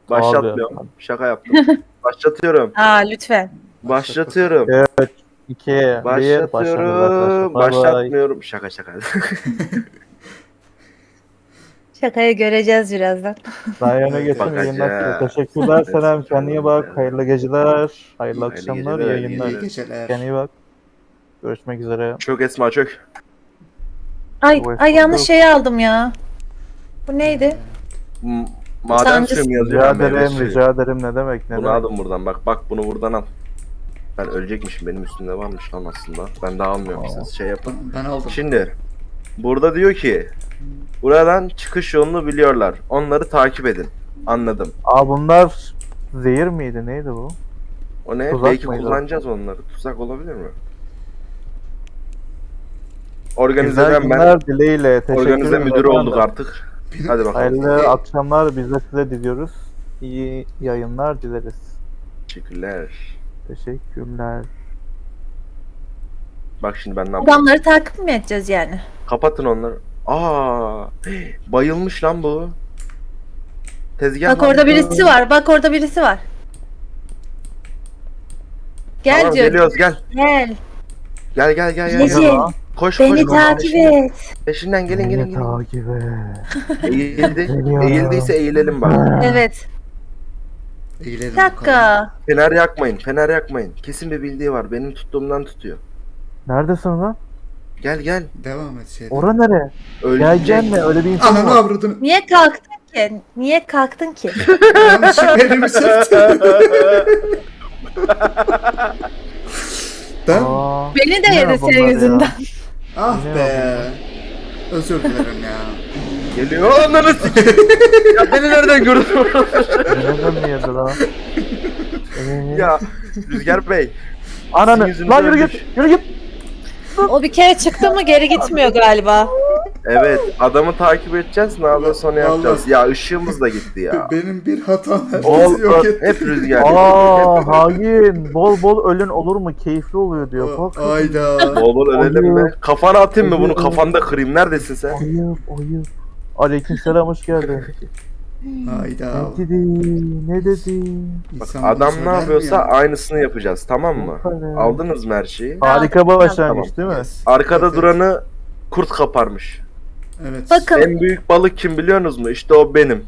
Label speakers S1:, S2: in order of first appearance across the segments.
S1: Başlatmıyorum. Şaka yaptım. Başlatıyorum.
S2: Aa lütfen.
S1: Başlatıyorum.
S3: 2, 1, başlıyoruz arkadaşlar.
S1: Başlatıyorum.
S3: Bay bay.
S1: Başlatmıyorum. Şaka şaka.
S2: Şakayı göreceğiz birazdan.
S3: Ryan'a geçsin
S1: Bakacağız.
S3: yayınlar. Teşekkürler Selam. Kendine iyi bak. Hayırlı geceler. Hayırlı akşamlar.
S1: geceler,
S3: Yayınlar.
S4: İyi geceler.
S3: Kendine iyi bak. Görüşmek üzere.
S1: Çök Esma çök.
S2: Ay yanlış şeyi aldım ya. Bu neydi?
S1: Maden
S2: Sancı-
S1: suyu mu yazıyor?
S3: Rica
S1: Meyve
S3: ederim,
S1: suyu.
S3: rica ederim. Ne demek, ne
S1: Bunu
S3: demek.
S1: aldım buradan. Bak bunu buradan al. Ben ölecekmişim. Benim üstümde varmış lan aslında. Ben daha almıyorum. Siz şey yapın.
S4: Ben aldım.
S1: Şimdi burada diyor ki buradan çıkış yolunu biliyorlar. Onları takip edin. Anladım.
S3: Bunlar zehir miydi? Neydi bu?
S1: O ne?
S3: Tuzak
S1: Belki
S3: mıydı?
S1: kullanacağız onları. Tuzak olabilir mi?
S3: Güzel
S1: Organizeden ben
S3: günler dileğiyle. Teşekkür
S1: organize
S3: ederim
S1: müdürü
S3: efendim.
S1: olduk artık. Hadi bakalım.
S3: Hayırlı akşamlar biz de size diliyoruz. İyi yayınlar dileriz.
S1: Teşekkürler.
S3: Teşekkürler.
S1: Bak şimdi ben ne yapacağım?
S2: Adamları takip mi edeceğiz yani?
S1: Kapatın onları. Bayılmış lan bu. Tezgah
S2: Bak
S1: lan
S2: orada
S1: bu.
S2: birisi var. Bak orada birisi var. Gel
S1: Tamam,
S2: diyor.
S1: geliyoruz gel.
S2: Gel.
S1: Gel.
S2: Gece.
S1: Koş
S2: Beni
S1: koş.
S2: takip et.
S1: Peşinden gelin.
S3: Beni takip et.
S1: Eğildi.
S3: Geliyorum.
S1: Eğildiyse eğilelim bak.
S2: Evet.
S4: Eğilelim
S2: Bir
S4: bakalım.
S2: dakika.
S1: Fener yakmayın. Kesin bir bildiği var. Benim tuttuğumdan tutuyor.
S3: Neredesin lan?
S1: Gel.
S4: Devam et şeyden.
S3: Ora nere?
S1: Ölecek.
S3: Gelme öyle bir insan
S4: Ananı
S3: var.
S4: avradını.
S2: Niye kalktın ki? Niye kalktın ki?
S4: Yanlışlıkla elimi sıktım. Ben?
S2: Beni de
S3: Ne
S2: yedi
S3: bunlar
S2: senin
S3: ya?
S2: yüzünden.
S4: Ah
S3: Ne
S4: be. Özür dilerim ya.
S1: Geliyor. Onları ya beni nereden gördün?
S3: Neden mi yedi lan?
S1: Ya Rüzgar Bey.
S3: Ananı.
S1: yüzünüzü
S3: Lan yürü
S1: ölmüş.
S3: git. Yürü git.
S2: O bir kere çıktı mı geri gitmiyor galiba.
S1: Evet, adamı takip edeceğiz. Ne yapıyorsa onu
S4: Vallahi-
S1: yapacağız. Ya ışığımız da gitti ya.
S4: Benim bir hatam
S3: Ol-
S4: herkesi yok etti.
S1: Hep Rüzgar.
S3: Hain. Bol bol ölün olur mu? Keyifli oluyor diyor. Bak.
S4: Ayda.
S1: Bol bol ölelim mi?
S3: Ayıp.
S1: Kafana atayım mı bunu?
S3: Ayıp.
S1: Kafanda kırayım. Neredesin sen?
S3: Ayıp. Aleykümselam hoş geldin.
S4: Ayda.
S3: Ne dedi? Ne dedi?
S1: Bak,
S4: İnsan
S1: adam
S4: bunu
S1: ne
S4: söyler mi
S1: yapıyorsa
S4: ya?
S1: aynısını yapacağız. Tamam mı?
S3: Aferin.
S1: Aldınız mı her şeyi?
S3: Harika başlangıç
S1: Tamam.
S3: değil mi?
S4: Yes.
S1: Arkada
S4: Evet.
S1: duranı kurt kaparmış.
S4: Evet.
S2: Bakın.
S1: En büyük balık kim biliyorsunuz mu? İşte o benim.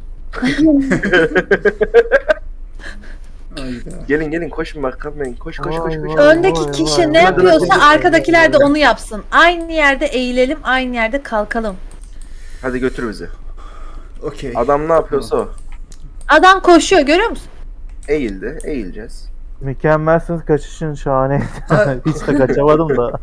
S4: Ayda.
S1: Gelin koşun bakalım. Koş.
S3: Vay vay.
S2: Öndeki kişi ne
S3: vay,
S2: yapıyorsa
S3: vay.
S2: arkadakiler de onu yapsın. Aynı yerde eğilelim, aynı yerde kalkalım.
S1: Hadi götür bizi.
S4: Okey.
S1: Adam ne yapıyorsa o.
S2: Adam koşuyor görüyor musun?
S1: Eğildi. Eğileceğiz.
S3: Mükemmelsiniz kaçışın şahane.
S4: Ay.
S3: Hiç de kaçamadım da.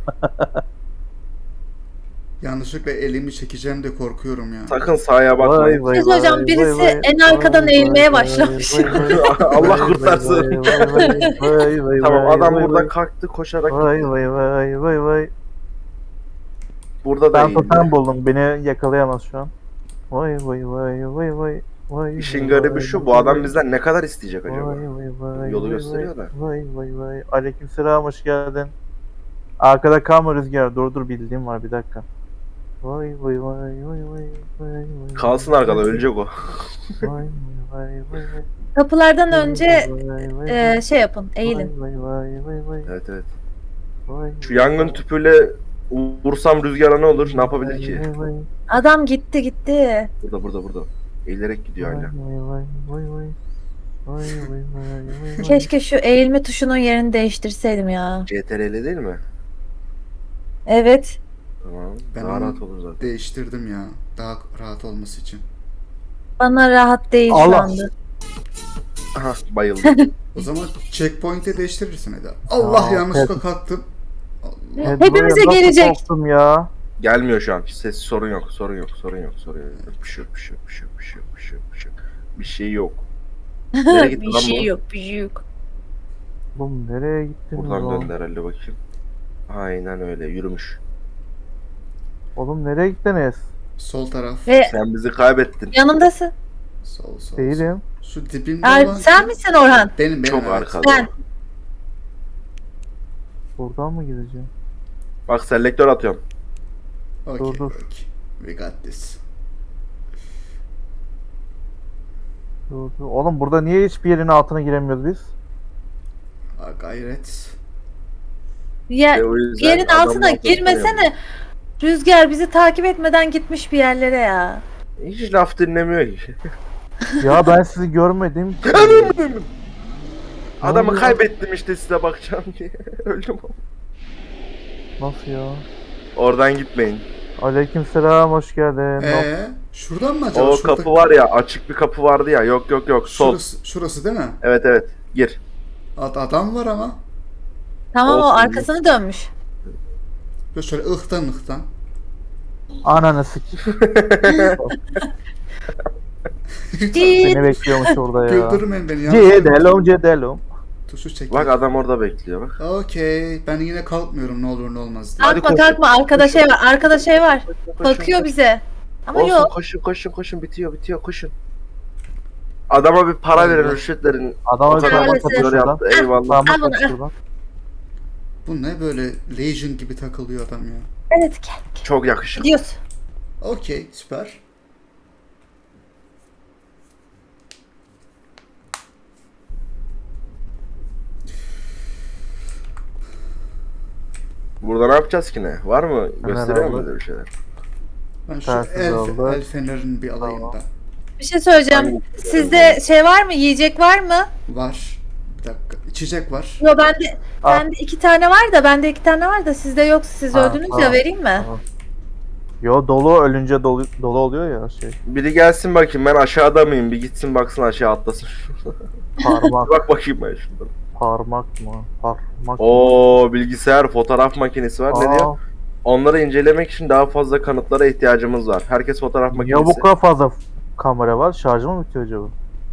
S4: Yanlışlıkla elimi çekeceğim de korkuyorum ya.
S1: Sakın sağa bakmayın.
S3: Vay,
S2: Siz
S3: vay,
S2: hocam
S3: vay,
S2: birisi
S3: vay,
S2: en arkadan
S3: vay,
S2: eğilmeye
S3: vay,
S2: başlamış.
S3: vay, vay,
S1: Allah
S3: vay,
S1: kurtarsın.
S3: vay, vay, vay,
S1: Tamam
S3: vay,
S1: adam
S3: vay,
S1: buradan
S3: vay.
S1: kalktı koşarak.
S3: Vay vay vay vay vay.
S1: Burada da
S3: Ben
S1: eğildi.
S3: totem buldum. Beni yakalayamaz şu an. Vay vay vay vay vay. Vay
S1: İşin
S3: vay,
S1: garibi
S3: vay,
S1: şu,
S3: vay,
S1: bu adam
S3: vay.
S1: bizden ne kadar isteyecek acaba?
S3: Vay vay vay.
S1: Yolu
S3: vay,
S1: gösteriyor da.
S3: Vay vay vay. Aleykümselam hoş geldin. Arkada kalma Rüzgar. Dur bildiğim var bir dakika. Vay vay vay vay vay vay vay.
S1: Kalsın arkada, ölecek o.
S3: Vay vay vay vay.
S2: Kapılardan önce
S3: Vay, vay, vay.
S2: şey yapın, eğilin.
S3: Vay vay vay vay.
S1: Evet.
S3: Vay,
S1: Şu yangın tüpüyle vursam rüzgara ne olur? Ne yapabilir ki?
S3: Vay vay
S2: Adam gitti.
S1: Burada. Eğilerek gidiyor
S3: vay
S1: hala.
S3: vay vay vay. Vay vay vay vay.
S2: Keşke şu eğilme tuşunun yerini değiştirseydim ya.
S1: CTRL değil mi?
S2: Evet.
S1: Tamam.
S4: Ben
S1: Daha
S4: onu
S1: rahat olur zaten.
S4: değiştirdim ya. Daha rahat olması için.
S2: Bana rahat değil şu
S3: Allah.
S2: anda.
S1: Aha bayıldım.
S4: O zaman checkpoint'e değiştirirsin Eda. Allah
S3: Aa,
S4: yanlışlıkla kalktım. Allah.
S3: Evet,
S2: Hepimize
S3: buraya nasıl
S2: gelecek.
S3: korktum ya.
S1: Gelmiyor şu an. Sorun yok. Bir şey yok. Nereye gitti
S2: Bir
S1: lan
S2: şey
S1: bu?
S2: yok, bir şey yok.
S3: Oğlum nereye gittin
S1: Buradan
S3: lan?
S1: döndü herhalde bakayım. Aynen öyle yürümüş.
S3: Oğlum nereye gittiniz?
S4: Sol taraf.
S2: Ve
S1: Sen bizi kaybettin.
S2: yanındasın.
S4: Sol.
S3: Değilim.
S4: Şu dibimde olan
S2: Sen
S4: kim?
S2: misin Orhan?
S4: Benim
S1: Çok
S4: evet.
S1: arkada.
S2: Ben.
S3: Buradan mı gideceğim?
S1: Bak selektör atıyorum.
S4: Okay,
S3: Dur.
S4: okay. We got this.
S3: Dur, dur. Oğlum burada niye hiçbir yerin altına giremiyoruz biz?
S4: Gayret.
S2: Ya,
S1: o yüzden
S2: yerin
S1: adamın
S2: altına girmesene. Rüzgar bizi takip etmeden gitmiş bir yerlere ya.
S1: Hiç laf dinlemiyor ki.
S3: Ya ben sizi görmedim ki.
S1: Adamı
S3: oluyor?
S1: kaybettim işte size bakacağım diye. Öldüm.
S3: Nasıl ya?
S1: Oradan gitmeyin.
S3: Aleykümselam, hoş geldin.
S4: Şuradan mı acaba?
S1: O
S4: Şurada-
S1: kapı var ya, açık bir kapı vardı ya. Yok yok yok, sol.
S4: Şurası değil mi?
S1: Evet evet, gir.
S4: Adam var ama.
S2: Tamam, o
S1: Olsun.
S2: arkasını dönmüş.
S4: Böyle şöyle ıhtan.
S3: Ananı sik. Seni bekliyormuş orada ya.
S4: Güldürmeyin beni ya.
S3: Cedelum cedelum.
S4: Tuşu çek.
S1: Bak adam orada bekliyor bak.
S4: Okey. Ben yine kalkmıyorum ne olur ne olmaz diye.
S1: Hadi
S2: Kalkma
S1: koşun.
S2: kalkma, arkada şey var, arkada şey var.
S1: Koşun,
S2: Bakıyor bize. Ama
S1: Olsun,
S2: yok.
S1: koşun bitiyor koşun. Adama bir para verin, rüşvet verin.
S3: Adama bir
S2: Maalesef.
S3: parmak atıyor şuradan.
S1: Yaptı, eyvallah.
S3: Parmak
S2: Al bunu,
S3: atıyor
S2: al.
S3: şuradan.
S4: Bu ne böyle Legion gibi takılıyor adam ya.
S2: Evet, gel.
S1: Çok yakışıklı.
S2: Gidiyoruz.
S4: Okey süper.
S1: Burada ne yapacağız ki ne? Var mı? Gösteriyor mu
S3: aldık.
S1: bize bir şeyler?
S4: Ben şu
S3: Tersiz oldu.
S4: el fenerini bir alayım
S3: Tamam.
S4: da.
S2: Bir şey söyleyeceğim.
S1: Hangi-
S2: Sizde şey var mı? Yiyecek var mı?
S4: Var. Bir dakika. İçecek var.
S2: Yo, bende
S3: Al.
S2: bende 2 tane var da, bende 2 tane var da sizde yoksa siz
S3: Ha,
S2: öldünüz ya,
S3: tamam.
S2: vereyim mi?
S3: Tamam. Yo, dolu ölünce dolu oluyor ya şey.
S1: Biri gelsin bakayım, ben aşağıda mıyım? Bir gitsin baksın, aşağı atlasın.
S3: Parmak
S1: Bak bakayım ben şuradan.
S3: parmak mı? Parmak.
S1: Oo, bilgisayar, fotoğraf makinesi var. Ne diyor? Onları incelemek için daha fazla kanıtlara ihtiyacımız var. Herkes fotoğraf
S3: Ya
S1: makinesi.
S3: bu kadar fazla kamera var. Şarjı mı bitiyor acaba?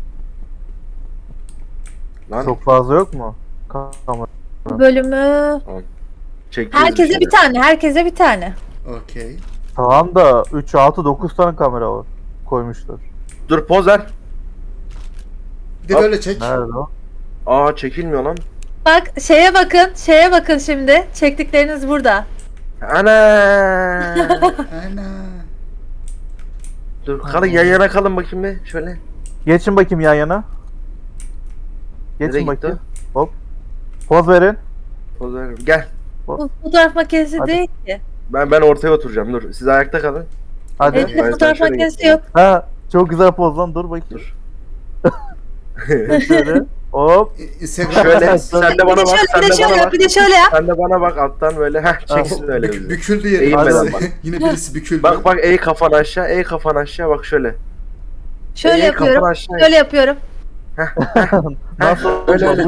S1: Lan,
S3: Çok fazla yok mu? Kamera.
S2: Bu bölümü
S1: çekeceğiz
S2: herkese
S1: şeyler.
S2: bir tane, herkese bir tane.
S4: Okey.
S3: Tamam da 3, 6, 9 tane kamera var. Koymuşlar.
S1: Dur, poz ver.
S4: Bir de
S1: Hop.
S4: böyle çek.
S3: Nerede o?
S1: Aa, çekilmiyor lan.
S2: Bak, şeye bakın şimdi. Çektikleriniz burada.
S1: Ana.
S4: Ana.
S1: Dur, kalın yan yana kalın bakayım bir. Şöyle.
S3: Geçin bakayım yan yana.
S1: Nereye
S3: Geçin
S1: gitti
S3: bakayım. Hop. Poz verin.
S1: Poz ver. Gel.
S2: Bu fotoğraf makinesi
S3: Hadi.
S2: değil ki.
S1: Ben ortaya oturacağım. Dur. Siz ayakta kalın.
S3: Hadi.
S1: Evet.
S2: Elimde
S1: ben
S2: fotoğraf
S1: şöyle
S2: makinesi
S1: geçeyim.
S2: yok.
S3: Ha, çok güzel poz lan. Dur bakayım.
S1: Dur.
S3: Şöyle. Hop.
S4: Instagram.
S1: Şöyle. Sen de bana
S2: Bir de
S1: bak. Sen
S2: şöyle, bir de
S1: de bana
S2: şöyle,
S1: bak.
S2: bir de şöyle yap.
S1: Sen de bana bak alttan böyle. Heh, çeksin öyle bizi.
S4: Büküldü yeri.
S1: Eğilmeden
S4: Birisi-
S1: bak.
S4: Yine birisi büküldü.
S1: Bak bak, eğ kafanı aşağı. Eğ kafanı aşağı. Bak şöyle.
S2: Şöyle
S1: Eğ
S2: yapıyorum.
S1: kafanı aşağı.
S2: Şöyle yapıyorum.
S3: Nasıl
S1: öyle, öyle.
S3: olmuş?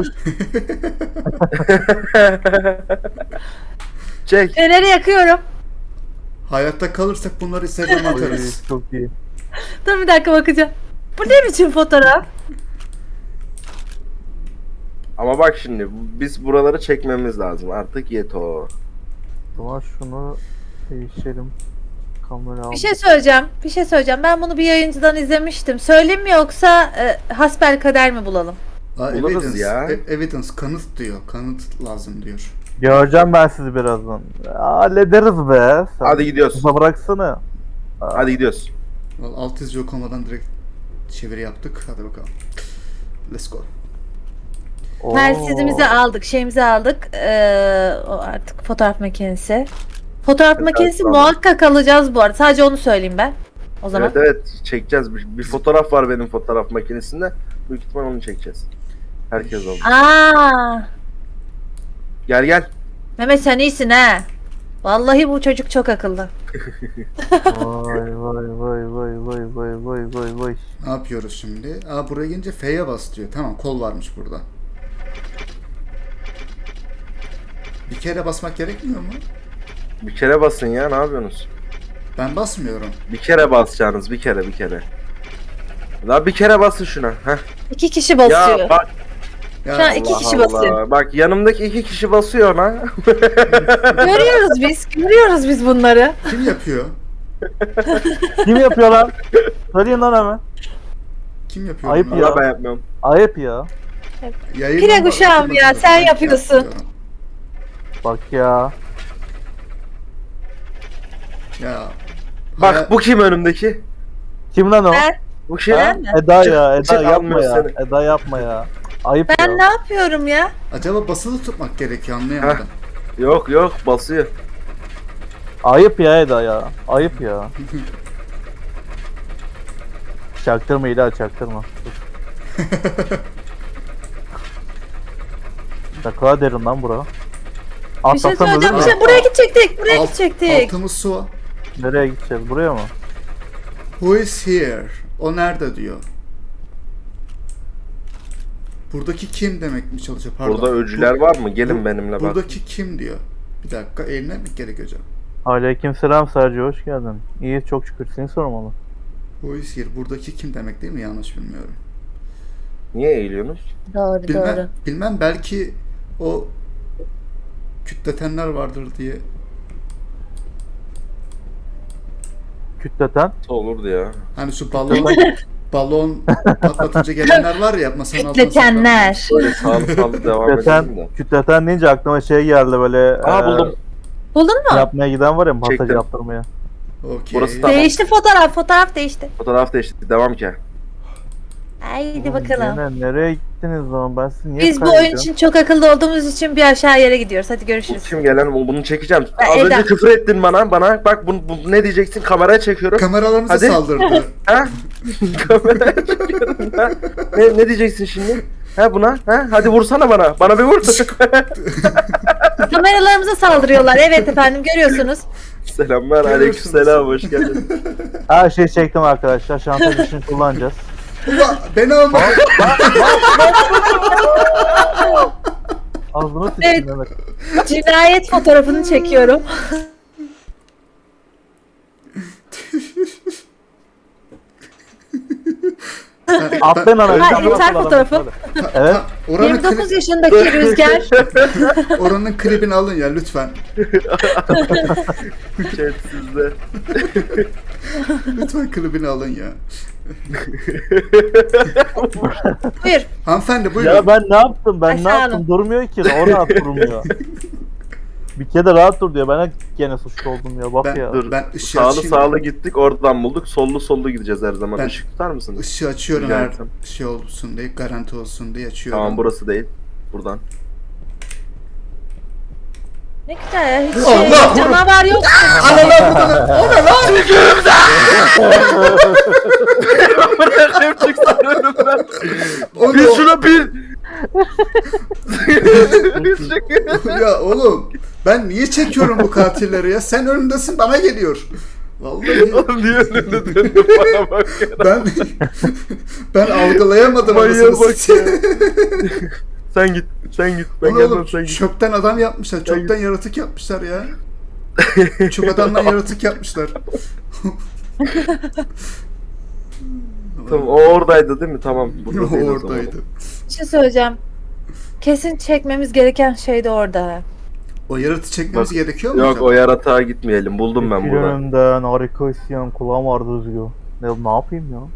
S1: Çek.
S2: Feneri yakıyorum.
S4: Hayatta kalırsak bunları Instagram'a
S3: Oy,
S4: atarız.
S3: çok iyi.
S2: Dur bir dakika, bakacağım. Bu ne biçim fotoğraf?
S1: Ama bak şimdi, biz buraları çekmemiz lazım. Artık yeto.
S3: Ama şunu değiştirelim. Kamera al.
S2: Bir şey söyleyeceğim. Ben bunu bir yayıncıdan izlemiştim. Söyleyeyim mi, yoksa hasbelkader mi bulalım?
S1: Buluruz
S4: Evidence,
S1: ya.
S4: Evidence, kanıt diyor. Kanıt lazım diyor.
S3: Göreceğim ben sizi birazdan. Hallederiz be. Sen
S1: Hadi gidiyoruz.
S3: kıza bıraksana.
S1: Hadi gidiyoruz.
S4: Vallahi alt yazı yok olmadan direkt çeviri yaptık. Hadi bakalım. Let's go.
S3: Oo.
S2: Telsizimizi aldık, şeyimizi aldık. O artık fotoğraf makinesi. Fotoğraf
S1: Evet,
S2: makinesi
S1: tamam.
S2: muhakkak alacağız bu arada. Sadece onu söyleyeyim ben. O zaman.
S1: Evet evet, çekeceğiz. Bir fotoğraf var benim fotoğraf makinesinde. Büyük ihtimal onu çekeceğiz. Herkes oldu.
S2: Aa,
S1: Gel gel.
S2: Mehmet sen iyisin ha. Vallahi bu çocuk çok akıllı.
S3: Vay vay vay vay vay vay vay vay vay.
S4: Ne yapıyoruz şimdi? Buraya gelince F'ye bas diyor. Tamam, kol varmış burada. Bir kere basmak gerekmiyor mu?
S1: Bir kere basın ya, ne yapıyorsunuz?
S4: Ben basmıyorum.
S1: Bir kere basacaksınız, bir kere. Daha bir kere basın şuna. Heh.
S2: 2 kişi basıyor.
S1: Ya bak.
S4: Ya
S2: Şu an iki
S1: Allah
S2: kişi
S1: Allah.
S2: basıyor.
S1: Bak, yanımdaki 2 kişi basıyor lan.
S2: Görüyoruz biz bunları.
S4: kim yapıyor?
S3: Kim yapıyor lan? Söyleyin lan hemen.
S4: Kim yapıyor?
S3: Ayıp
S4: bunları?
S3: ya.
S1: Valla ben yapmıyorum.
S3: Ayıp ya.
S4: Yayından
S2: Pire
S4: bak-
S2: kuşağım ya,
S4: bakın,
S2: sen
S4: ben
S2: yapıyorsun.
S4: yapıyorum.
S3: Bak ya.
S4: Ya.
S1: Bak bu kim önümdeki?
S3: Kim lan o?
S2: Ben
S1: Bu şey
S3: Ha?
S2: mi?
S3: Eda ya, Eda
S1: Çık,
S3: yapma
S1: almıyor
S3: ya.
S1: seni.
S3: Eda yapma ya. Ayıp
S2: Ben
S3: ya.
S2: ne yapıyorum ya?
S4: Acaba basılı tutmak gerekiyor anlayamadım.
S1: Yok yok basıyor.
S3: Ayıp ya Eda ya. Ayıp ya. Çaktırma İla, çaktırma. Ne kadar derin lan bura.
S2: Bir şey
S3: Atlasam
S2: söyleyeceğim.
S3: ölür
S2: Bir
S3: mü?
S2: şey, buraya gidecektik. Buraya
S4: Alt-
S2: gidecektik.
S4: Altımız su.
S3: Nereye gideceğiz? Buraya mı?
S4: Who is here? O nerede diyor. Buradaki kim demek mi çalışıyor? Pardon.
S1: Burada öcüler var mı? Gelin benimle bak.
S4: Buradaki kim diyor. Bir dakika eğilmek mi gerekiyor hocam?
S3: Aleykümselam Sergio, hoş geldin. İyi, çok şükür, seni sormalı.
S4: Who is here? Buradaki kim demek değil mi? Yanlış bilmiyorum.
S1: Niye eğiliyorsunuz?
S2: Doğru doğru.
S4: Bilmem belki o kütletenler vardır diye.
S3: Kütleten.
S1: Olurdu ya.
S4: Hani şu balon patlatınca gelenler var ya masanın altına
S2: Kütletenler.
S1: Böyle sağlı sağlı devam edelim
S3: Kütleten,
S1: de.
S3: kütleten deyince aklıma şey geldi böyle.
S1: Aa buldum.
S2: Buldun mu?
S3: Yapmaya giden var ya, masaj
S1: Çektim.
S3: yaptırmaya.
S4: saklanmış. Okey.
S1: Burası tamam.
S2: Değişti fotoğraf. Fotoğraf değişti.
S1: Fotoğraf değişti. Devam ki.
S2: Haydi bakalım.
S3: Gene nereye gittiniz o zaman? Ben sizi niye
S2: Biz bu oyun
S3: kaybediyorum?
S2: için çok akıllı olduğumuz için bir aşağı yere gidiyoruz. Hadi
S1: Bu
S2: görüşürüz.
S1: kim gelen? Bunu çekeceğim.
S2: Ha,
S1: Az
S2: Eda.
S1: önce küfür ettin bana. Bak bu ne diyeceksin? Kameraya çekiyorum.
S4: Kameralarımıza
S1: Hadi.
S4: saldırdı.
S1: Ha? Kameraya çekiyorum. Ha? Ne diyeceksin şimdi? Ha buna? Ha? Hadi vursana bana. Bana bir vur.
S2: Kameralarımıza saldırıyorlar. Evet efendim görüyorsunuz.
S1: Selamlar. Aleykümselam. Hoş geldin.
S3: Her şeyi çektim arkadaşlar. Şantaj için kullanacağız.
S4: Ulan beni alma.
S3: Ağzını
S2: Evet.
S3: sıçtın Mehmet.
S2: Cinayet fotoğrafını çekiyorum.
S3: Atlayın ana.
S2: Ha, intihar fotoğrafı.
S3: Evet.
S4: Oranın,
S2: 29 yaşındaki Rüzgar.
S4: oranın klibini alın ya lütfen.
S1: Chat sizde.
S4: Lütfen klibini alın ya.
S2: Buyur.
S4: Hanımefendi buyurun.
S3: Ya ben ne yaptım? Ben ne
S2: Aşağı
S3: yaptım?
S2: alın.
S3: Durmuyor ki. O rahat durmuyor. Bir kere de rahat dur diyor. Ben de gene suçlu oldum ya. Bak
S4: Ben-
S3: ya.
S1: Dur.
S4: Ben ışığı
S1: Sağlı
S4: açayım.
S1: sağlı gittik. Oradan bulduk. Sollu gideceğiz her zaman.
S4: Ben-
S1: Işık tutar mısınız?
S4: Işığı açıyorum
S1: Rica
S4: her
S1: etsem.
S4: şey olsun diye, garanti olsun diye açıyorum.
S1: Tamam burası değil. Buradan.
S2: Ne güzel ya. Hiç
S4: Allah!
S2: canavar yok.
S1: Bırakayım çıksın önümden.
S4: Onu-
S1: Bil şunu bil.
S4: ya oğlum ben niye çekiyorum bu katilleri ya? Sen önümdesin bana geliyor. Vallahi
S1: Oğlum niye önünde döndün bana bak ya.
S4: ben algılayamadım
S1: Manyağa
S4: anasını
S1: bak
S4: satayım.
S1: Sen git. Ben
S4: Onu
S1: gelmem
S4: oğlum
S1: sen git.
S4: çöpten adam yapmışlar.
S1: Ben
S4: Çöpten yaratık yapmışlar ya. Çöp adamdan yaratık yapmışlar.
S1: Tamam o oradaydı değil mi? Tamam. Burada değil o zaman.
S4: Oradaydı.
S2: Bir şey söyleyeceğim. Kesin çekmemiz gereken şey de orada.
S4: O yaratığı çekmemiz
S1: Bak,
S4: gerekiyor mu
S1: Yok
S4: hocam?
S1: o yaratığa gitmeyelim. Buldum ben burada.
S3: Önümden harika isyan, kulağım ağrıdı Özgür. Ne yapayım ya?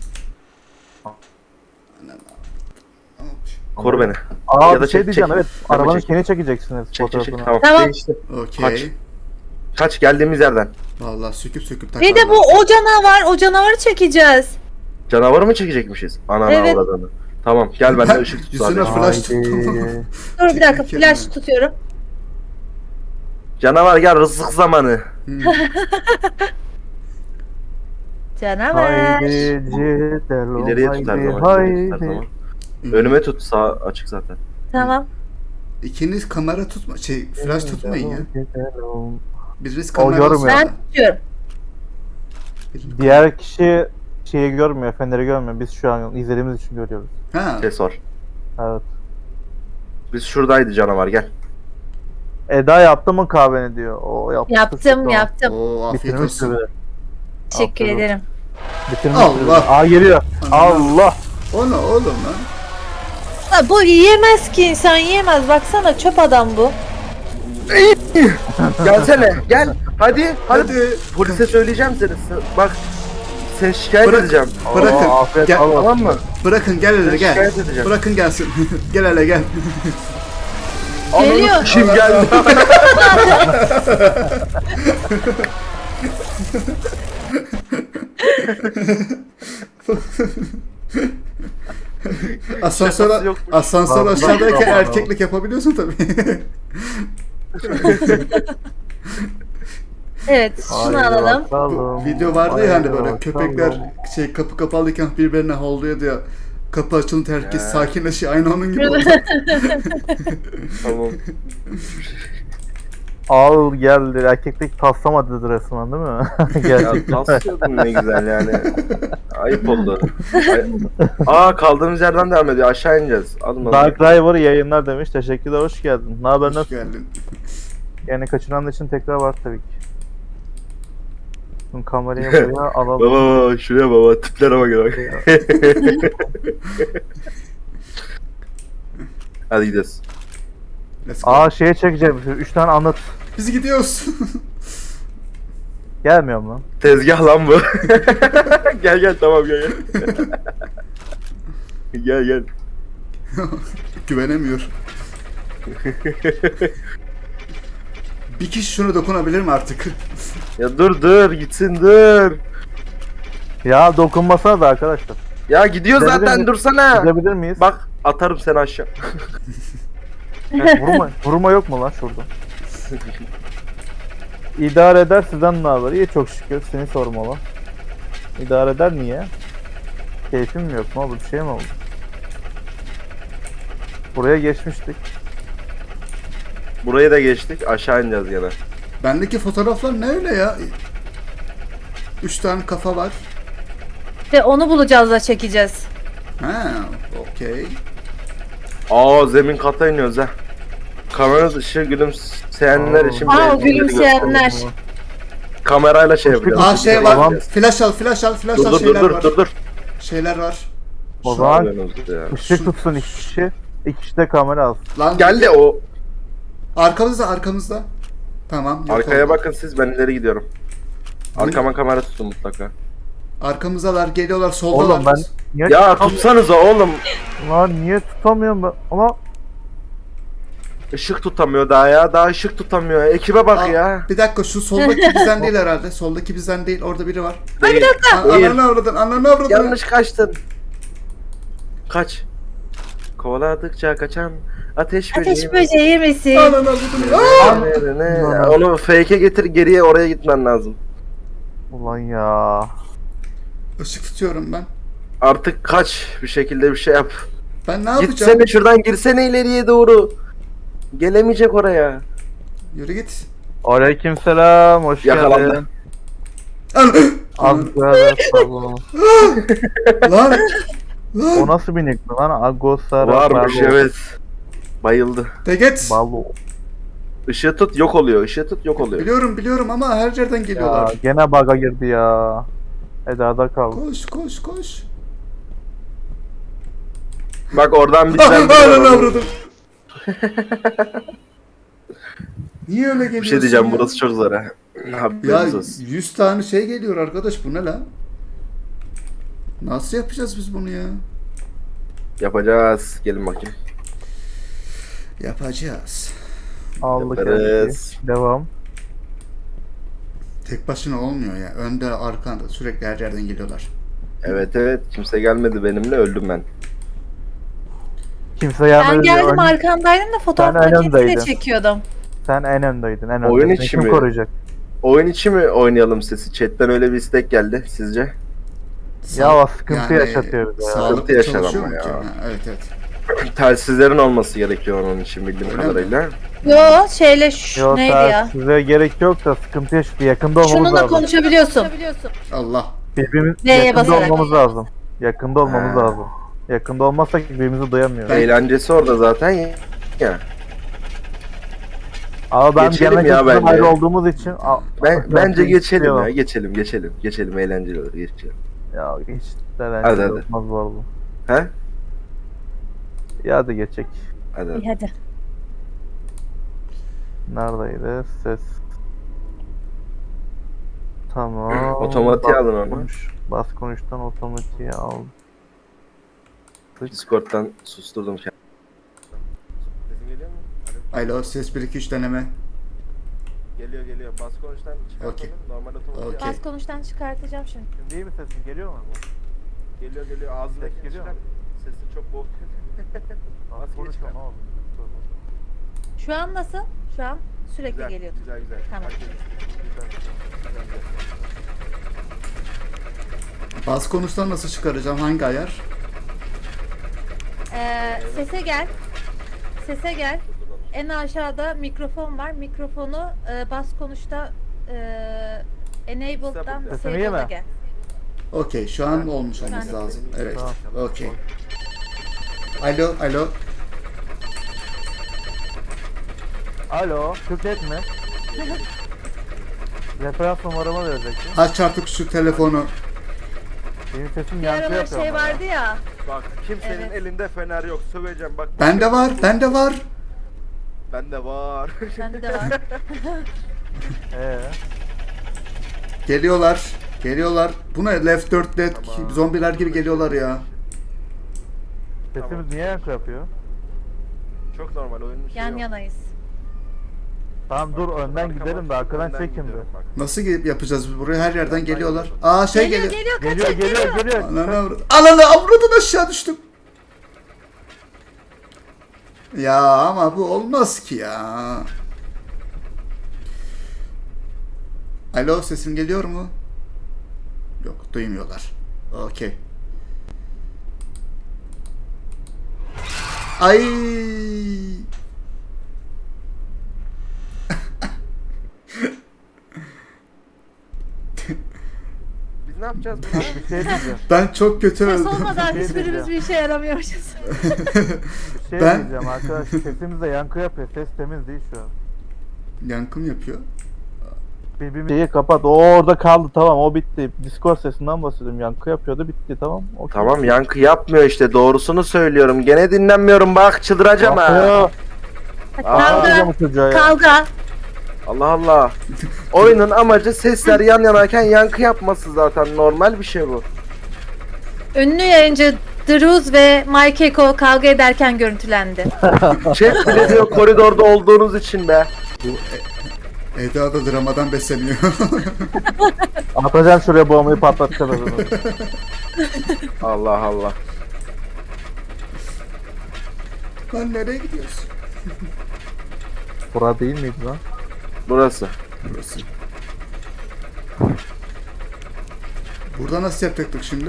S1: Koru beni.
S3: Aa
S1: Ya
S3: bir
S1: da
S3: şey
S1: çek,
S3: diyeceğim,
S1: çek.
S3: evet.
S1: Hemen
S3: Arabanın
S1: çek.
S3: kendi çekeceksiniz
S1: Çek.
S3: fotoğrafını.
S1: Tamam.
S2: Tamam.
S1: Değişti.
S4: Okey.
S1: Kaç. Kaç geldiğimiz yerden.
S4: Vallahi söküp
S2: Bir de
S4: takarlar.
S2: o canavar. O canavarı çekeceğiz.
S1: Canavarı mı çekecekmişiz? Ananı
S2: Evet.
S1: avradını. Tamam gel benden ışık tut
S4: Yüzüne
S1: sadece.
S4: flash tuttum.
S3: Haydi.
S2: Dur bir dakika
S4: Çekelim
S2: flash
S4: mi?
S2: tutuyorum.
S1: Canavar gel rızık zamanı.
S2: Canavar.
S3: Haydi cidelo,
S1: İleriye tut her
S3: haydi,
S1: zaman. ileriye tut her
S3: haydi.
S1: zaman. Önüme tut sağ açık zaten.
S2: Tamam.
S4: İkiniz kamera tutma, flash tutmayın ya.
S3: Cidelo.
S4: Biriniz
S3: O
S4: kamera
S3: görmüyor.
S2: Ben tutuyorum.
S3: Diğer kişi şeyi görmüyor, feneri görmüyor. Biz şu an izlediğimiz için görüyoruz.
S4: Ha.
S1: Ses var.
S3: Evet.
S1: Biz şuradaydı canavar gel.
S3: Eda yaptı mı kahveni diyor. O yaptı.
S2: Yaptım.
S4: Oo afiyet
S3: Bitirmiştir
S4: olsun.
S3: bile.
S2: Teşekkür
S3: Aferin.
S2: ederim.
S3: Bitirmiştir
S4: Allah.
S3: bile. Aa geliyor. Allah.
S4: O ne oğlum lan?
S2: Ha, bu yiyemez ki insan yiyemez. Baksana çöp adam bu.
S1: Gelsene gel. Hadi.
S4: Hadi.
S1: Polise söyleyeceğim seni. Bak. Seni şikayet
S4: Bırak.
S1: edeceğim.
S4: Bırakın.
S3: Aa, afiyet
S4: Gel.
S3: olsun.
S1: Tamam mı?
S4: Bırakın gel hele
S1: Seni
S4: gel.
S1: şikayet edeceğim.
S4: Bırakın gelsin. Gel hele gel.
S2: Geliyor.
S1: Kim geldi?
S4: Asansör,
S1: Şakası yokmuş.
S4: asansör
S3: Bak,
S4: aşağıdayken
S3: bak, bak.
S4: erkeklik yapabiliyorsun tabii.
S2: Evet şunu
S3: Haydi
S2: alalım.
S3: bakalım.
S4: Video vardı ya hani
S3: Haydi
S4: böyle
S3: bakalım.
S4: köpekler şey kapı kapalıyken birbirine havlıyordu ya. Kapı açılınca herkes
S1: Ya.
S4: sakinleşiyor. Aynı onun gibi oldu.
S1: Tamam.
S3: Ağır geldi. Erkeklik taslamadı resmen değil mi?
S1: Ya
S3: Gerçekten.
S1: taslıyordun ne güzel yani. Ayıp oldu. Aa kaldığımız yerden devam ediyor. Aşağı ineceğiz. Alın
S3: Dark River yayınlar demiş. Teşekkürler, hoş geldin. Ne haber,
S4: Hoş
S3: nasıl?
S4: geldin.
S3: Yani kaçıran için tekrar var tabii ki. Şimdi kamerayı buraya alalım.
S1: Baba şuraya baba tiplere bak. Hadi gidelim.
S4: Let's go.
S3: Aa şeye çekeceğim. 3 tane anlat.
S4: Biz gidiyoruz.
S3: Gelmiyor mu?
S1: Tezgah lan bu. Gel gel tamam gel gel. Gel gel.
S4: Güvenemiyor. Bir kişi şunu dokunabilir mi artık?
S1: Ya dur gitsin dur.
S3: Ya dokunmasana da arkadaşlar.
S1: Ya gidiyor
S3: Gidebilir
S1: zaten
S3: miyiz?
S1: dursana.
S3: Gidebilir miyiz?
S1: Bak atarım seni aşağı.
S3: Vurma yok mu lan şurada? İdare eder, sizden ne haber? İyi çok şükür, seni sormalı. İdare eder niye? Keyfim mi yok? Ne oldu? Bir şey mi oldu? Buraya geçmiştik.
S1: Burayı da geçtik aşağı ineceğiz gene.
S4: Bendeki fotoğraflar ne öyle ya? 3 tane kafa var.
S2: Ve onu bulacağız da çekeceğiz.
S4: Ha, okey.
S1: Aa zemin kata iniyoruz ha. Kamera dışı gülümseyenler
S3: Aa.
S1: için
S2: Aa,
S1: bir-
S2: gülümseyenler.
S1: Kamerayla şey yapacağız.
S4: Aa şey var.
S3: Tamam.
S4: Flash al, flash al, flash
S1: Dur
S4: al
S1: dur
S4: şeyler
S1: dur
S4: var.
S1: dur dur.
S4: Şeyler var.
S3: O
S1: Şu
S3: zaman
S1: an yanımızda ya.
S3: ışık tutsun 2 kişi. 2 kişi de kamera alsın.
S4: Lan
S1: Geldi o.
S4: arkamızda, arkamızda. Tamam. yok
S1: Arkaya
S4: oldu.
S1: bakın siz ben ileri gidiyorum. Arkama kamera tutun mutlaka.
S4: Arkamızdalar, geliyorlar, soldalar.
S3: Oğlum ben niye
S1: Ya tutsanıza oğlum.
S3: Lan niye tutamıyorum ben? Ama
S1: Işık tutamıyor daha ya. Daha ışık tutamıyor. Ekibe bak
S4: Aa,
S1: ya.
S4: Bir dakika şu soldaki bizden değil herhalde. Soldaki bizden değil. Orada biri var.
S1: Ay bir dakika.
S4: Ananı avradın, ananı avradın.
S1: Yanlış kaçtın. Kaç. Kovaladıkça kaçan ateş böceği.
S2: Ateş böceği misin?
S4: Ananı avradın. Aa!
S1: Ne? Onu fake'e getir geriye oraya gitmen lazım.
S3: ulan ya.
S4: Işık tutuyorum ben.
S1: Artık kaç bir şekilde bir şey yap.
S4: Ben ne yapacağım?
S1: Gitsene şuradan girsene ileriye doğru. Gelemeyecek oraya.
S4: Yürü git.
S3: Aleykümselam, hoş
S1: Yakalandı.
S3: geldin.
S4: An-
S3: Agara salon.
S4: Lan.
S3: O
S4: Lan.
S3: nasıl bir nick lan? Agosara
S1: Varmış evet. Bayıldı.
S4: De git.
S3: Balo.
S1: Işığı tut yok oluyor. Işığı tut yok oluyor.
S4: Biliyorum ama her yerden
S3: Ya
S4: geliyorlar.
S3: gene bug'a girdi ya. Eda'da kaldı.
S4: Koş.
S1: Bak oradan bizden biri
S4: Ananı
S1: var.
S4: avradın. Niye öyle geliyorsun
S1: Bir şey diyeceğim
S4: ya?
S1: burası çok zor ha.
S4: Ya
S1: Haberiniz olsun.
S4: 100 tane şey geliyor arkadaş, bu ne lan? Nasıl yapacağız biz bunu ya?
S1: Yapacağız. Gelin bakayım.
S4: Yapacağız.
S3: Aldık
S1: Yaparız.
S3: yani. Devam.
S4: Tek başına olmuyor ya. Önde, arkanda sürekli her yerden geliyorlar.
S1: Evet kimse gelmedi benimle öldüm ben.
S3: Kimse gelmedi.
S2: Ben geldim
S3: Ön-
S2: arkandaydım da fotoğraf
S3: Sen en
S2: makinesiyle
S3: öndeydin.
S2: çekiyordum.
S3: Sen en öndeydin. En
S1: Oyun
S3: öndeydin.
S1: içi
S3: Kim
S1: mi?
S3: koruyacak?
S1: Oyun içi mi oynayalım sesi? Chatten öyle bir istek geldi sizce?
S3: Ya sıkıntı yaşatıyor bize ya.
S4: Sağlıklı
S1: Sıkıntı yaşar
S4: çalışıyor
S1: ama
S4: mu ki?
S1: ya.
S4: Ha, evet.
S1: Telsizlerin olması gerekiyor onun için bildiğim
S4: Öyle mi?
S1: kadarıyla.
S2: Yo şeyle
S3: Yok
S2: neydi ya?
S3: size gerek yok da sıkıntı yaşatıyor. Yakında olmamız
S2: Şununla
S3: lazım.
S2: konuşabiliyorsun.
S4: Allah.
S3: Birbirimiz
S2: Neye
S3: yakında
S2: basarak?
S3: olmamız lazım. Yakında olmamız
S1: Ha.
S3: lazım. Yakında olmazsak birbirimizi duyamıyoruz.
S1: Eğlencesi orada zaten ya.
S3: Ama ben
S1: Geçelim
S3: genel
S1: ya
S3: kültürden
S1: bence.
S3: ayrı olduğumuz için
S1: Bence geçelim
S3: istiyorum.
S1: ya. Geçelim eğlenceli olur geçelim.
S3: Ya hiç
S1: Hadi,
S3: eğlenceli
S1: hadi.
S3: olmaz bu arada.
S1: He?
S3: Ya hadi geçecek.
S1: Hadi.
S2: İyi hadi.
S3: Neredeydi? Ses. Tamam.
S1: Otomatiğe
S3: Bas
S1: alın onu.
S3: Bas konuştan otomatiğe al.
S1: Discord'dan susturdum kendimi. Sesim geliyor mu?
S4: Alo, ses 1 2 3 deneme.
S1: Geliyor. Bas konuştan çıkartalım.
S4: Okey.
S1: Normal otomatik.
S4: Okey.
S2: Bas konuştan çıkartacağım şimdi.
S3: Şimdi iyi mi sesin? Geliyor mu?
S1: Geliyor ağzındaki
S3: Ses geliyor mu?
S1: Sesi çok boğuk. Nasıl
S3: Konuşma
S1: geçiyor?
S3: ne oldu?
S2: Şu an nasıl? Şu an sürekli geliyordu.
S1: Güzel.
S2: Tamam.
S4: Bas konuştan nasıl çıkaracağım? Hangi ayar?
S2: Sese gel. Sese gel. En aşağıda mikrofon var. Mikrofonu bas konuşta enabled'dan
S3: Sesini yeme.
S2: disabled'a gel.
S4: Okey, şu an olmuş olması
S2: Ben-
S4: lazım. Evet.
S3: Tamam.
S4: Okey. Alo.
S3: Alo, Türknet mi? Referans numaramı vereceksin.
S4: Aç artık şu telefonu.
S3: Benim sesim
S2: Bir
S3: yankı
S2: aralar
S3: yapıyor
S2: şey
S3: ama ya.
S2: vardı ya.
S1: Bak kimsenin
S2: Evet.
S1: elinde fener yok. Söveceğim bak.
S4: Bende var.
S1: Bende var.
S2: Bende de var.
S4: Geliyorlar. Bu ne? Left 4 Dead
S1: Tamam.
S4: zombiler gibi geliyorlar ya.
S3: Sesimiz
S1: Tamam.
S3: niye yankı yapıyor?
S1: Çok normal oyunun şeyi
S2: Yan
S1: yok.
S2: yanayız.
S3: Tamam dur önden
S1: Arkama-
S3: gidelim de arkadan
S1: önden
S3: çek şimdi.
S1: gidiyorum bak.
S4: Nasıl yapacağız biz burayı? Her yerden geliyorlar. Aa şey
S2: Geliyor
S4: geliyor.
S2: geliyor kaçak geliyor.
S4: Ananı avradın aşağı düştüm. Ya ama bu olmaz ki ya. Alo, sesim geliyor mu? Yok, duymuyorlar. Okey. Ay.
S1: Biz ne yapacağız burada?
S3: Bir şey diyeceğim.
S4: Ben çok kötü
S2: Ses
S4: öldüm.
S2: olmadan
S3: Şey
S2: hiçbirimiz
S3: diyeceğim.
S2: bir işe yaramıyoruz.
S3: Bir şey
S4: Ben-
S3: diyeceğim arkadaş. Sesimiz de yankı yapıyor. Ses temiz değil şu an.
S4: Yankım yapıyor.
S3: Şeyi kapat. O orada kaldı tamam o bitti. Discord sesinden bahsediyorum. Yankı yapıyordu bitti tamam. Okey.
S1: Tamam yankı yapmıyor işte doğrusunu söylüyorum. Gene dinlenmiyorum bak çıldıracağım ha.
S3: Yapıyor.
S2: Kavga.
S3: Ağlayacağım bu çocuğa ya.
S2: Kavga.
S1: Allah Allah. Oyunun amacı sesler yan yanayken yankı yapması zaten normal bir şey bu.
S2: Ünlü yayıncı Druz ve Mike Eko kavga ederken görüntülendi.
S1: Şef bile diyor koridorda olduğunuz için be.
S4: Bu Eda da dramadan besleniyor.
S3: Atacağım şuraya bombayı patlatacağız adamı.
S1: Allah Allah.
S4: Lan nereye gidiyorsun?
S3: Bura değil miydi lan?
S1: Burası.
S4: Burası. Burada nasıl yapacaktık şimdi?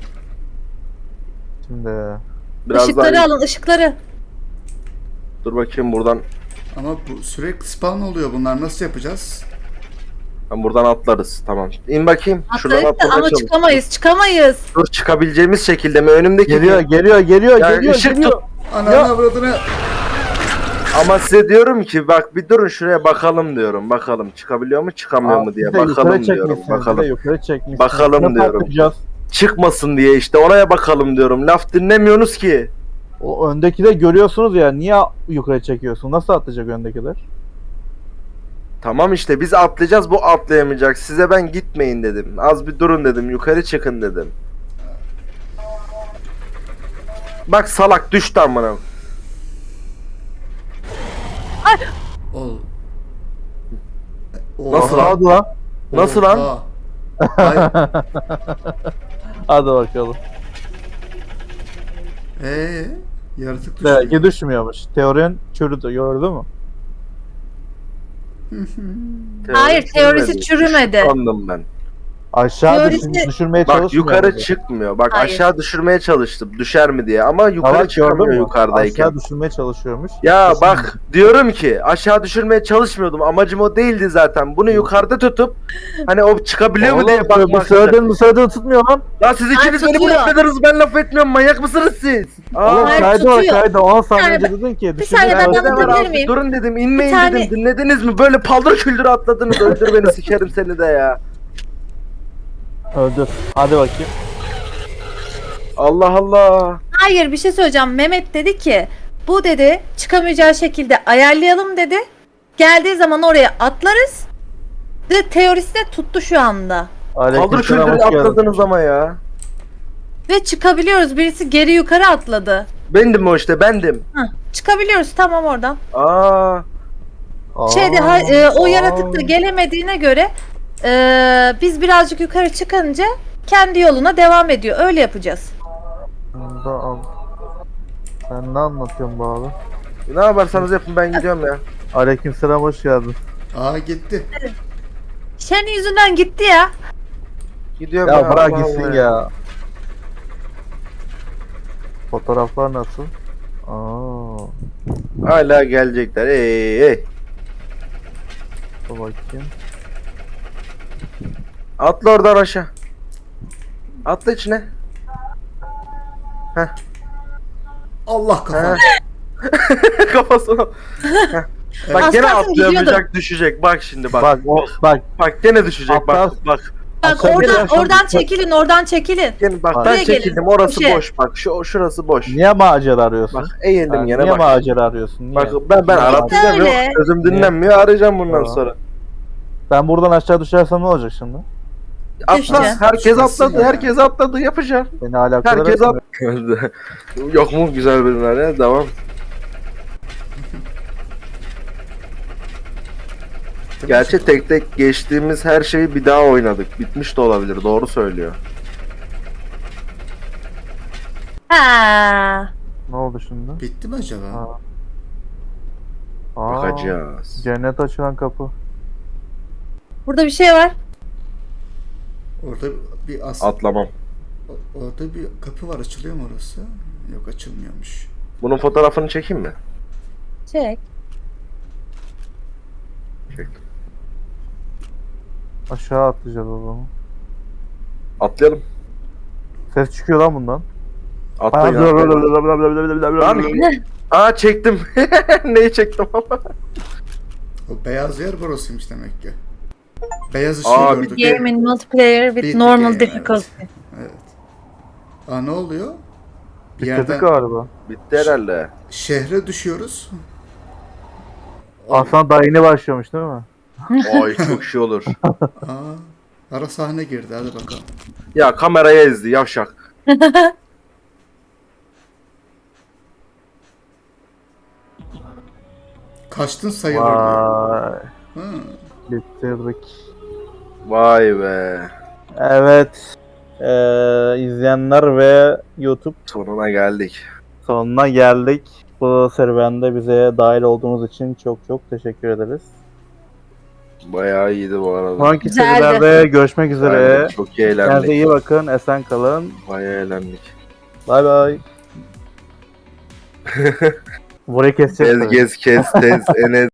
S3: Şimdi
S1: Biraz
S2: Işıkları
S1: daha
S2: alın ışıkları.
S1: dur bakayım buradan.
S4: Ama bu sürekli spawn oluyor bunlar. Nasıl yapacağız?
S1: Buradan atlarız. Tamam. İn bakayım. Şuradan
S2: Atlarız da
S1: atlamaya
S2: ama
S1: çalış.
S2: çıkamayız.
S1: Dur çıkabileceğimiz şekilde mi? Önümdeki
S3: geliyor
S1: mi?
S3: geliyor
S1: Ya
S3: geliyor
S1: ışık
S3: geliyor.
S1: tut.
S4: Ananı avradını.
S1: Ama size diyorum ki bak bir durun şuraya bakalım diyorum. Bakalım çıkabiliyor mu çıkamıyor mu diye.
S3: Bir de yukarı
S1: Bakalım diyorum.
S3: çekmişsiniz, bir de
S1: Bakalım.
S3: yukarı çekmişsiniz.
S1: Bakalım
S3: Nasıl
S1: diyorum.
S3: atlayacağız?
S1: Çıkmasın diye işte oraya bakalım diyorum. Laf dinlemiyorsunuz ki.
S3: O öndeki de görüyorsunuz ya niye yukarı çekiyorsun? Nasıl atlayacak öndekiler?
S1: Tamam işte biz atlayacağız bu atlayamayacak. Size ben gitmeyin dedim. Az bir durun dedim. Yukarı çıkın dedim. Bak salak düştü amına.
S4: Ol.
S1: Nasıl lan?
S3: Hadi lan.
S1: Nasıl lan?
S4: Oha. Ay,
S3: Hadi bakalım.
S4: yaratık
S3: Belki
S4: düşüyor.
S3: düşmüyormuş. Teorin çürüdü gördün mü?
S2: Hayır, teorisi çürümedi.
S1: Sandım ben.
S3: Aşağı
S2: Teorisi-
S3: düşürmeye
S1: Bak
S3: çalışmıyor.
S1: yukarı
S3: muydu?
S1: çıkmıyor. Bak
S2: Hayır.
S1: aşağı düşürmeye çalıştım. Düşer mi diye. Ama yukarı
S3: Evet,
S1: çıkamıyor
S3: gördün mü?
S1: yukarıdayken.
S3: Aşağı düşürmeye çalışıyormuş.
S1: Ya
S3: Kesin.
S1: bak diyorum ki aşağı düşürmeye çalışmıyordum. Amacım o değildi zaten. Bunu yukarıda tutup hani o çıkabiliyor mu diye
S3: Oğlum,
S1: bakmak.
S3: bu söylediğin tutmuyor lan.
S1: Ya siz ikiniz beni
S2: tutuyor.
S1: blokladınız. Ben laf etmiyorum. Manyak mısınız siz?
S3: Oğlum
S2: Hayır,
S3: kaydı
S2: tutuyor.
S3: 10 saniye
S2: Bir
S3: önce dedin ki.
S2: bir saniye, ben
S3: düşürmeye
S1: Ne var
S2: anlatabilir
S1: abi?
S2: miyim?
S1: Durun dedim. İnmeyin
S2: Bir tane-
S1: dedim. Dinlediniz mi? Böyle paldır küldür atladınız. Öldür beni sikerim seni de ya.
S3: Öldür. Hadi bakayım.
S1: Allah Allah.
S2: Hayır, bir şey söyleyeceğim. Mehmet dedi ki bu dedi çıkamayacağı şekilde ayarlayalım dedi. Geldiği zaman oraya atlarız. Ve teorisi de tuttu şu anda.
S1: Paldır
S3: Aleykümselam,
S1: küldür
S3: hoş geldin.
S1: atladınız ama ya.
S2: Ve çıkabiliyoruz. Birisi geri yukarı atladı.
S1: Bendim o işte bendim.
S2: Hah, çıkabiliyoruz tamam oradan.
S1: Aa.
S2: O yaratık da gelemediğine göre biz birazcık yukarı çıkınca kendi yoluna devam ediyor. Öyle yapacağız.
S3: Bunu da al. Sen ne anlatıyorsun bu abi?
S1: Ne yaparsanız yapın ben gidiyorum ya.
S3: Aleykümselam, hoş geldin.
S4: Aa gitti.
S2: Senin yüzünden gitti ya.
S1: Gidiyorum
S3: Ya bırak
S1: Allah
S3: gitsin
S1: Allah
S3: ya. Fotoğraflar nasıl? Aa,
S1: Hala gelecekler. Ey.
S3: dur bakayım.
S1: Atla oradan aşağı. Atla içine.
S4: Allah kafa.
S1: Ha. Kafasına. Heh. Bak
S2: Az
S1: gene
S2: kalsın
S1: atlayamayacak, düşecek. Bak şimdi bak.
S3: Bak o bak
S1: Bak gene düşecek bak.
S3: Atlar.
S1: Bak.
S2: Bak
S3: Sen
S2: oradan
S3: gel.
S2: oradan çekilin, oradan çekilin.
S1: Gene bak
S3: Bak.
S1: ben
S2: Buraya gelin.
S1: çekildim. Orası
S2: Köşe.
S1: boş. Bak şurası boş.
S3: niye macera arıyorsun?
S1: Bak eğildim
S3: Ha,
S1: gene
S3: niye
S1: bak.
S3: macera arıyorsun? Niye?
S1: Bak ben
S3: Niye
S1: aratacağım yok.
S2: Öyle.
S1: Sözüm dinlenmiyor. Arayacağım bundan
S3: Tamam.
S1: sonra.
S3: Ben buradan aşağı düşersem ne olacak şimdi?
S1: Atla.
S2: Düşeceğim.
S1: Herkes
S4: Düşmesin
S1: atladı.
S4: ya.
S1: Herkes atladı. Yapacağım.
S3: Beni alakadar
S1: Herkes
S3: etmiyor.
S1: atladı. Yok mu güzel bölümler ya? Devam. Gerçi tek tek geçtiğimiz her şeyi bir daha oynadık. Bitmiş de olabilir. Doğru söylüyor.
S2: Ha.
S3: Ne oldu şimdi?
S4: Bitti mi acaba?
S3: Ha. Aa,
S1: Bakacağız.
S3: cennet açılan kapı.
S2: Burada bir şey var.
S4: Orada bir
S1: Atlamam.
S4: orada bir kapı var, açılıyor mu orası? Yok, açılmıyormuş.
S1: Bunun fotoğrafını çekeyim mi?
S2: Çek.
S1: Çektim.
S3: Aşağı atlayacağız o zaman.
S1: Atlayalım.
S3: Ses çıkıyor lan bundan.
S1: Atlayın. atlayın. Aa çektim. Neyi çektim ama?
S4: O beyaz yer burasıymış demek ki. Beyaz ışığı
S1: Aa,
S4: gördük.
S2: Game in multiplayer with
S4: Bitti
S2: normal
S4: game,
S2: difficulty.
S4: Evet. Aa, ne oluyor? Bir
S3: Bitirdik
S4: yerden
S3: galiba.
S1: Bitti herhalde.
S4: şehre düşüyoruz.
S3: Aslan daha yeni başlamış değil mi?
S1: Ay çok şey olur.
S4: Aa, ara sahne girdi, hadi bakalım.
S1: Ya kameraya ezdi yavşak.
S4: Kaçtın sayılır diyor.
S3: Vay.
S4: Hı.
S3: Bitirdik.
S1: Vay be.
S3: Evet. İzleyenler ve YouTube
S1: Sonuna geldik.
S3: sonuna geldik. Bu serüvende bize dahil olduğunuz için çok çok teşekkür ederiz.
S1: Bayağı iyiydi bu arada.
S3: Sonraki
S2: Güzeldi.
S3: serilerde görüşmek üzere.
S1: Aynen, çok iyi
S3: Kendinize
S1: eğlendik.
S3: iyi bakın. Esen kalın.
S1: Bayağı eğlendik.
S3: Bay bay. Burayı keseceğiz. tabii.
S1: Gez kes tez enes.